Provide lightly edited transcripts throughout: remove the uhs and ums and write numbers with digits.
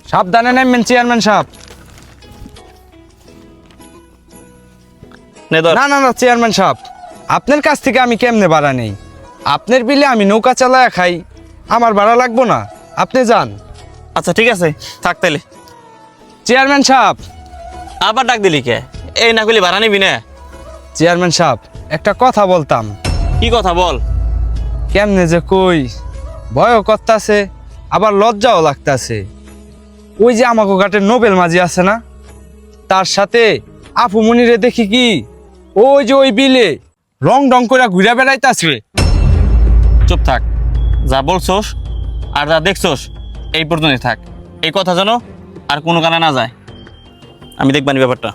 সাবধানে নামবেন চেয়ারম্যান সাহেব। না না না চেয়ারম্যান সাহেব, আপনার কাছ থেকে আমি কেমনে ভাড়া নেই? আপনার বিলে আমি নৌকা চালায়া খাই, আমার ভাড়া লাগবো না? আপনি যান। আচ্ছা ঠিক আছে, থাক তাইলে। চেয়ারম্যান সাহেব। আবার ডাক দিলি কে? এই না করলে ভাড়া নিবি না? চেয়ারম্যান সাহেব, একটা কথা বলতাম। কি কথা বল? কেমনে যে কই, ভয়ও করতাছে আবার লজ্জাও লাগতাছে। ওই যে আমাকে ঘাটের নোবেল মাঝি আছে না, তার সাথে আপু মনিরে দেখি কি ওই যে ওই বিলে রং ডং করে ঘুরে বেড়াইতাছে। চুপ থাক, যা বলছোস আর যা দেখছোস এই পর্যন্তই থাক। এই কথা জানো আর কোনো কানে না যায়, আমি দেখবানি ব্যাপারটা।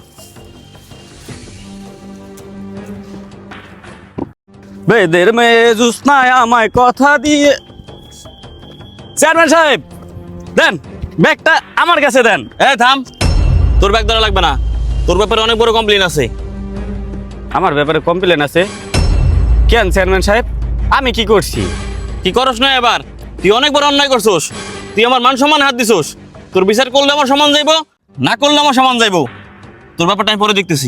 বেদের মেয়ে জুসনায় আমায় কথা দিয়ে। চেয়ারম্যান সাহেব দেন ব্যাগটা, আমার কাছে দেন। এই থাম, তোর ব্যাগ ধরা লাগবে না, তোর ব্যাপারে অনেক বড় কমপ্লেন আছে। আমার ব্যাপারে কমপ্লেন আছে? কেন চেয়ারম্যান সাহেব, আমি কি করছি? কি করস না এবার? তুই অনেক বড় অন্যায় করছোস, তুই আমার মান সম্মান হাত দিছোস। তোর বিচার করলে আমার সমান যাইবো, না করলে আমার সমান যাইবো। তোর ব্যাপারটা আমি পরে দেখতেছি।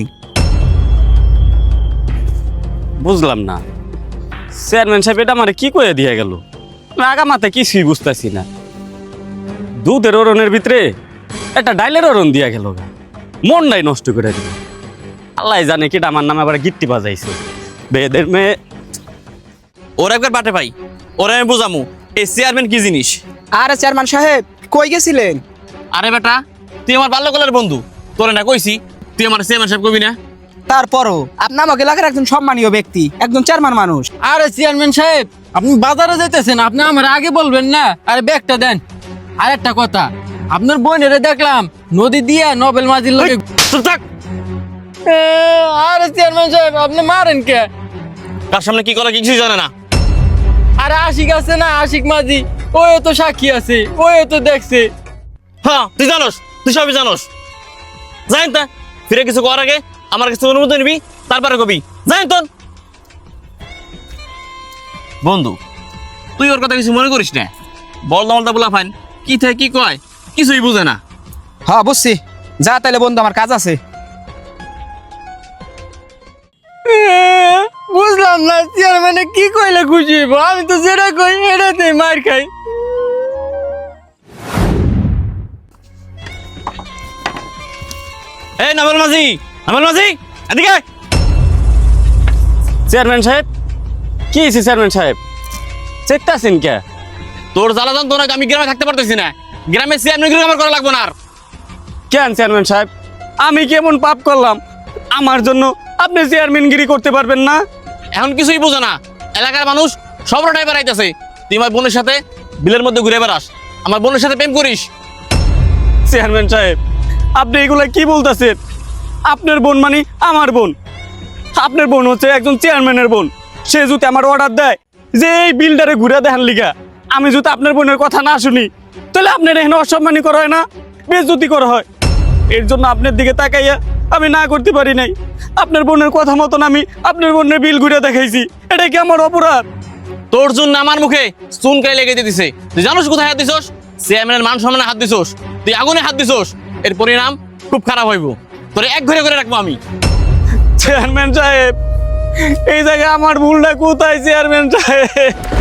বুঝলাম না চেয়ারম্যান সাহেব, এটা আমার কি করে দিয়ে গেল? আমি আগা মাথায় কিছুই বুঝতেছি না। দুধের ওরনের ভিতরে একটা ডাইলের ওরন দিয়া গেল, মনটাই নষ্ট করে দিল। আল্লাহ জানে কিটা আমার নামে আবার গিট্টি বাজাইছে। বেদের মেয়ে। ওর একবার বাটে পাই, ওরা আমি বুঝামু এই চেয়ারম্যান কি জিনিস। আরে চেয়ারম্যান সাহেব, কই গেছিলেন? আরে বেটা, তুই আমার বাল্যকালের বন্ধু, তোরে না কইছি তুই আমার চেয়ারম্যান সাহেব কবি না? তারপরও আপনি আমাকে এলাকার একজন সম্মানীয় ব্যক্তি, একজন চেয়ারম্যান মানুষ। আরে চেয়ারম্যান সাহেব, আপনি বাজারে যাইতেছেন, আপনি আমার আগে বলবেন না? আরে ব্যাগটা দেন। আর একটা কথা, আপনার বোনেরে দেখলাম নদী দিয়ে নোবেল মাঝির লোকে। চুপ থাক। আরে চেয়ারম্যান সাহেব, আপনি মারেন কে? তার সামনে কি করা কিছুই জানে না। আরে আশিক আছে না, আশিক মাঝি, ওই তো সাক্ষী আছে, ওই তো দেখছে। হ্যাঁ তুই জানোস, তুই সবই জানোস। জানেন তা ফিরে কিছু করার আগে আমার কাছে অনুমতি নিবি, তারপরে কবি। জানেন তোর বন্ধু, তুই ওর কথা কিছু মনে করিস না। বলদা মলদা বলা ফাইন, কি থাকে কি কয় কিছুই বুঝে না। হ্যাঁ বুঝছি, যা তাইলে বন্ধু, আমার কাজ আছে। বুঝলাম না চেয়ারম্যানে কি কইলে খুশি হইব? আমি তো যেটা কই এটাতে মার খাই। এই নামেল মাঝি, নামেল মাঝি এদিকে আয়। চেয়ারম্যান সাহেব কি হয়েছে? চেয়ারম্যান সাহেব চেকতেছেন কে? তোর জ্বালাতন তোর আমি গ্রামে থাকতে পারতেছি না। গ্রামে চেয়ারম্যান আমার করা লাগবো না আর। কেন চেয়ারম্যান সাহেব, আমি কেমন পাপ করলাম আমার জন্য আপনি চেয়ারম্যানগিরি করতে পারবেন না? এখন কিছুই বুঝো না, এলাকার মানুষ সবটাই বেড়াইতেছে। তুই আমার বোনের সাথে বিলের মধ্যে ঘুরে বেড়াস, আমার বোনের সাথে প্রেম করিস। চেয়ারম্যান সাহেব আপনি এগুলা কি বলতেছেন? আপনার বোন মানে আমার বোন, আপনার বোন হচ্ছে একজন চেয়ারম্যানের বোন। সে যদি আমার অর্ডার দেয় যে এই বিলটারে ঘুরে দেখান লিগা, আমি যদি আপনার বোনের কথা না শুনি, তাহলে আপনার এখানে অসম্মানী করা হয় না, বেজ্জতি করা হয়। এর জন্য আপনার দিকে তাকাইয়া আমি না করতে পারি নাই। আপনার বোনের কথা মতন আমি আপনার বোনের বিল ঘুরে দেখাইছি, এটা কি আমার অপরাধ? তোর জন্য আমার মুখে চুনকাই লেগে দিতেছে। তুই জানোস কোথায় হাত দিছোস? চেয়ারম্যানের মান সম্মানে হাত দিছোস, তুই আগুনে হাত দিছোস। এর পরিণাম খুব খারাপ হইব। তোরে এক ঘরে করে রাখবো আমি। চেয়ারম্যান সাহেব এই জায়গায় আমার ভুলটা কোথায় চেয়ারম্যান সাহেব?